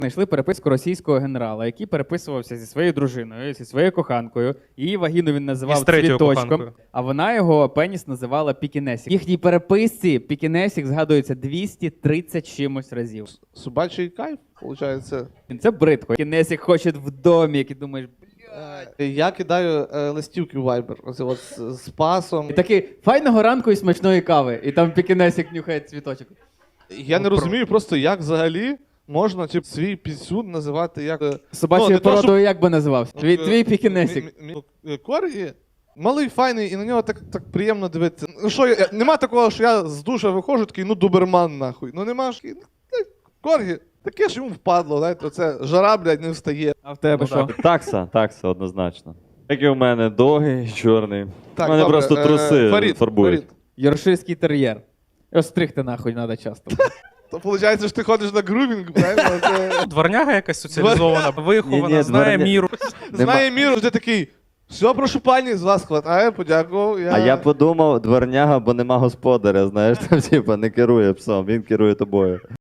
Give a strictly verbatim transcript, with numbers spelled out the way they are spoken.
Знайшли переписку російського генерала, який переписувався зі своєю дружиною, зі своєю коханкою. Її вагіну він І називав з третьою цвіточком, коханкою. а вона його пеніс називала пікінесік. В їхній переписці пікінесік згадується двісті тридцять чимось разів. Собачий кайф, виходить. Це бридко. Пікінесік хоче в домі, який думаєш, Я кидаю е, листівки в Viber, оце от з, з пасом. і такий файного ранку і смачної кави. І там пікінесік нюхає цвіточок. Я не розумію просто, як взагалі можна тип, свій пісюн називати як... е, Собачою ну, не то, породою щоб- як би називався? Твій, Е, твій пікінесік. мі- мі- мі- Коргі, малий, файний, і на нього так, так приємно дивитися. Ну що, я, нема такого, що я з душа виходжу, такий, ну, доберман, нахуй. Ну нема ж, такий, ну, е, Коргі, таке ж йому впадло, знаєте, оце жара, блядь, не встає. А в тебе Ну, що? Такса, такса, однозначно. Як і в мене довгий, чорний. Так, у мене добре, просто е, труси Фарід, фарбують. Фарід. Йоркширський тер'єр. Його стригти нахуй треба часто. То виходить, що ти ходиш на грумінг, правильно? Це... Дворняга якась соціалізована, вихована, Ні-ні, знає дворня- міру. Знає міру, ти такий, все, прошу пані, з вас хватає, подякував. Я... А я подумав, дворняга, бо нема господаря, знаєш, там типа не керує псом, він керує тобою.